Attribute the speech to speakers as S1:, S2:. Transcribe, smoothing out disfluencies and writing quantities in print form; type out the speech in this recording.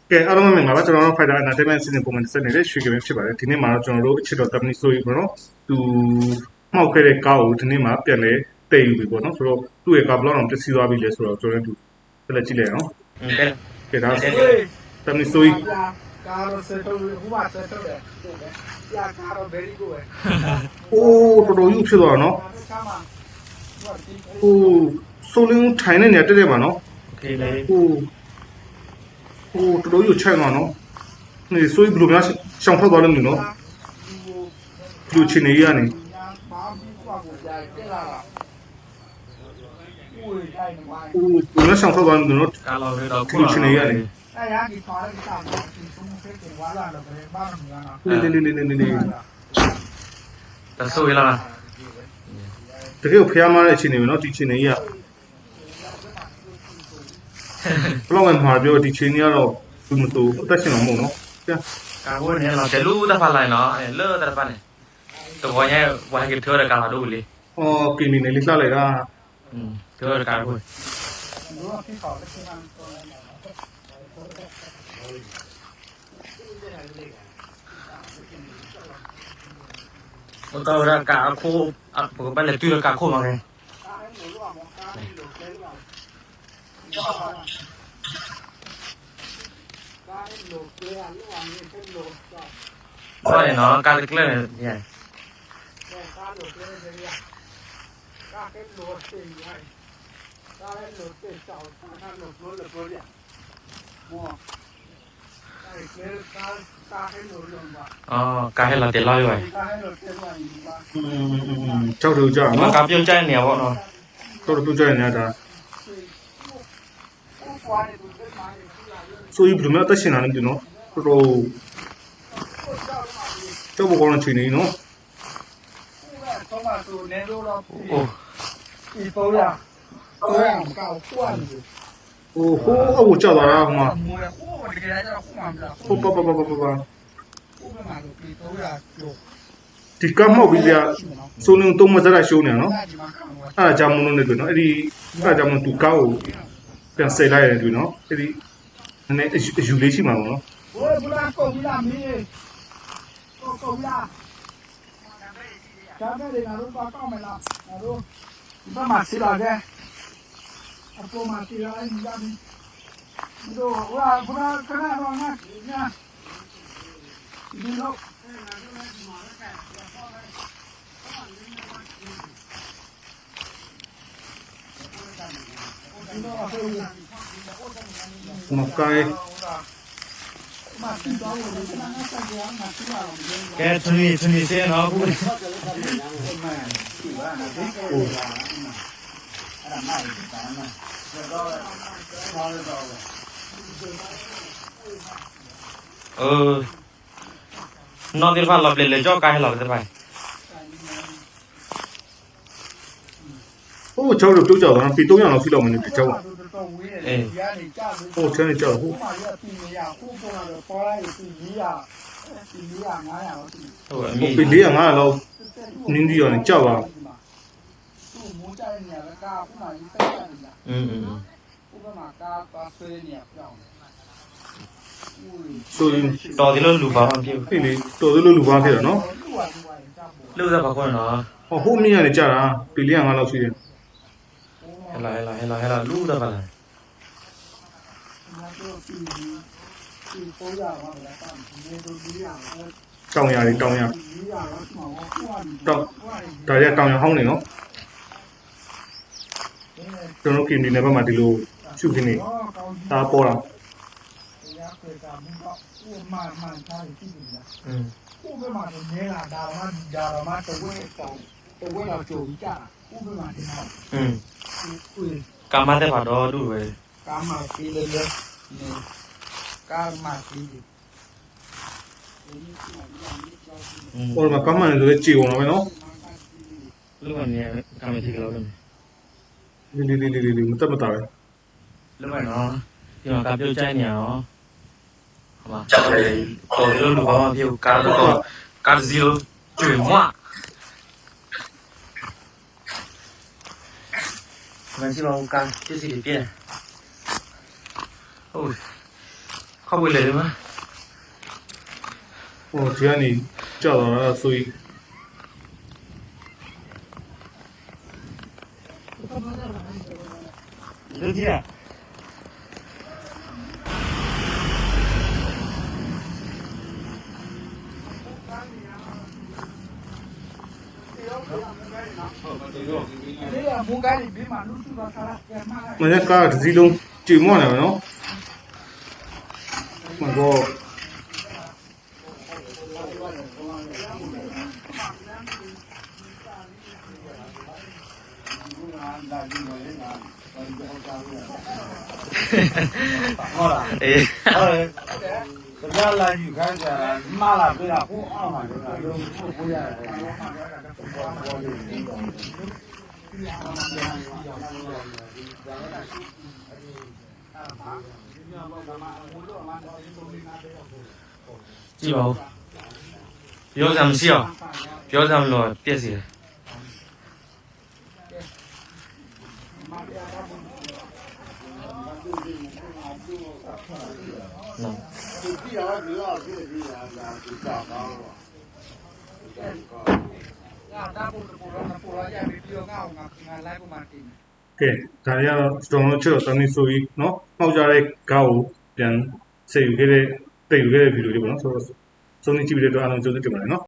S1: ကဲအားလုံးမင်္ဂလာပါကျွန်တော်တို့ Fighter Entertainment စီစဉ်ပုံမှန်ဆက်နေတဲ့ရွှေကပင်ဖြစ်ပါတယ်ဒီနေ့မှာတော့ကျွန်တော်တို့အချစ်တော်တမနီဆိုရီပေါ့နော်သူမှောက်ခဲ့တဲ့ကားကိုဒီနေ့မှာပြန်လဲတည်ယူပြီပေါ့နော်ဆိုတော့သူ့ရဲ့ကားဘလောက်အောင်ပျက်စီးသွားပြီလဲဆိုတော့ကျွန်တော်တို့ဆက်လက်ကြည့်လိုက်အောင်ကဲဒါတမနီဆိုရီ
S2: ကားတော့ဆက်တော့ဘူးပါဆက်တော့တယ်ပြကားတော့ very good ပဲ
S1: အိုးတော်တော်ကြီးဖြစ်သွားတာနော်အိုးဆိုလင်းထိုင်နေနေတက်တယ်ပါနော်
S3: โอเคလေ
S1: အိုးတော်တော်ကြီးချိုင်သွားနော်နေဆိုရီဘယ်လိုများရှောင်ထွက်သွားလို့မလို့နော်ဒီချင်းနေရနေ
S2: ဘာဘူးကွာကိုကြာတက်လာတာဦးတိုင်းနေပါ
S1: အိုးဘယ်လိုရှောင်ထွက်သွားလို့နော်
S3: ကာလောတော့
S1: ဒီချင်းနေရနေ
S2: အဲ့ရဒီထားတဲ့စားကိုဒီဆုံးဖက်ကိုဝါလာတော့ပဲဘာမှမရနာ
S1: နေ
S3: တဆိုးရလား
S1: တကယ်ဖျားမားတဲ့အခြေအနေပဲเนาะဒီချင်းနေကြီးကဘလောက်မှမှာပြောဒီချင်းကြီးကတော့ဘူးမတူအသက်ရှင်အောင်မဟုတ်เนาะကြာ
S3: ကာကိုเนี่ยเราจะรู้ตะฟันไล่เนาะเลอะตะฟันเนี่ยตัวเนี่ยว่าให้เธอတဲ့ကာလာတို့လေ
S1: အော်ကင်းနေလေးလှလိုက်တာ
S3: เธอတဲ့ကာကို
S2: တို့ဖြစ်ခေါ်တဲ့ချင်း
S3: တော့ရကာခိုဘယ်လဲတူရကာခိုမှာလဲဟုတ်နော်ကာကလည်းเนี่ย
S2: ကားလို့ပြောနေရကားကလို့သိရကားလို့သိချောင်းကားလို့ပြောရမောအဲ့ဒီကားလို့လုံးပါ
S3: อ๋อကာဟဲလာတယ်လာရွယ်
S2: ကားလို့ပြောရရင်ပါ
S1: ကြောက်တူကြောက်နော်
S3: ကာပြုတ်ကြိုက်နေပေါ့နော်
S1: တော်တော်ပြုတ်ကြိုက်နေတာဆိုရင်ဘယ်လိုမှအသက်ရှင်နေတယ်နော်တော်တော်ကြောက်ဘောကောင်းချင်နေနော်
S2: တော့မှဆိုနေတော့အိုးဒီပေါ်ရတော့ကောက်ကွာနေ
S1: အိုးဟိုးအဝကြောက်သွားတာဟိုမှာ
S2: ဟိုတကယ်တော့ခုမှမလား
S1: ဟိုပပပပပ
S2: ဟိုမှာဒီပေါ်ရလို့
S1: ဒီကမောက်ပြီးပြဆိုနေတော့မစရရှိုးနေနော်အဲ့ဒါကြောင့်မလို့နေပြီနော်အဲ့ဒီအဲ့ဒါကြောင့်မသူကောက်ကိုပြန်ဆယ်လိုက်ရတယ်ပြီနော်အဲ့ဒီနည်းနည်းအယူလေးရှိမှာပေါ့နော်
S2: ဟိုဘလာကိုဘလာမီးကိုဘလာဒါပဲလေငါတို့ပါကောက်မယ်လားငါတို့ဒီဘက်မှာစီလာခဲ့အပေါ်မှာစီလာရင်ဒီလားဒီတော့ဟိုဘလာခဏတော့ငါညာဒီတော့
S1: မကိုင်း
S3: ကဲသူနေစေနော်ဘူးနော်ဒီဖာလောပလေကြောက်ကိုင်းလောတဲ့ပိုင်
S1: ဟိုချောက်တို့ပြုတ်ကြောက်တာပြီ300လောက်ရှိလောက်မနေပြီချောက်
S3: အေး
S1: ဟိုချမ်းနေကြောက်ဟို
S2: မှာရပြီနေရဟိုပေါ်လာတော့ပေါ်လိုက်ပြီ400 900လောက်ရှိ
S3: ဟုတ်အ
S1: မီပြီ400လောက်နင်းဒီရောနေကြောက်ပါ
S2: သူ့မိုးကြတဲ့နေရာကကားဥမာကြီးဆက်တယ်လားဥပမာကားပါဆွဲနေရပြောင်း
S1: ဆိုရင်
S3: တော်ဒီလိုလူပါမပြေဘူး
S1: ဖြစ်လေတော်ဒီလိုလူပါဖြစ်တာနော်
S3: လူစားပါခွန်းနော်
S1: ဟိုမင်းကနေကြာတာပြီ400လောက်ရှိတယ်
S3: ဟဲ့လာလူစားပါလား
S1: တောင်ရတွေတောင်ရတောင်ဒါရတောင်ရဟောင်းနေနော်ကျွန်တော်ကင်ဒီနယ်ဘက်မှာဒီလိုရှုခင်းနေဒါပေါ်တာ
S2: ဥပမာနေလာဒါမှတဝဲတော့ကြုံကြဥပမာဒီမှာ
S3: ကာမတဲ့ပါတော့တူပဲ
S2: ကာမစီလေကာမစီ
S1: ဟိုမှာကမ္မန်လည်းကြည်အောင်နော်
S3: လူကနေကာမစီကလို့
S1: လီမတက်မတာပဲ
S3: လူမနော်ဒီမှာကပြုတ်ချိုင်းနေရော好吧，到这路旁边有干这个干子肉卷花，蛮起老干，这是一遍。哦， ခောက်ပွေလေဒီမှာ
S1: ဟိုဒီကနေကြောက်တော့ဆိုရင်
S3: လူကြီးอ่ะ
S2: ဒီကမူကိုင်းဘေးမှာလူစုတော့ခါရပြန်မှာ
S1: မနေ့ကတစ်စီးလုံးကြည်မော့နေမှာနော်မကော
S4: ဟုတ်လား
S3: အေး
S4: ဟုတ်တယ်တရားလာယူခိုင်းကြတာမှားလာပြတာဟိုအောင်မှာလည်းလုံးကိုရတယ်
S3: ကြည့်ပါဦးပြောစမ်းမရှိအောင်ပြောစမ်းလို့ပြည့်စီတယ်နော်
S4: ဒီတော့ဒီတော့ဒီဒါဒီတော့ကောင်းတော့
S2: ငါတာပို့တော့ရပြီပြီးတော့ငါလိုက်ပုံမှန်တင်
S1: ကဲဒါရတော့စတုံလို့ချတော့တမီဆိုပြီးနော်မှောက်ကြတဲ့ကောက်ကိုပြန်စေယူခဲ့တဲ့တိတ်ယူခဲ့တဲ့ဗီဒီယိုလေးပေါ့နော်ဆိုတော့စုံနေကြည့်ပြီးတဲ့အတွက်အားလုံးကျေးဇူးတင်ပါတယ်နော်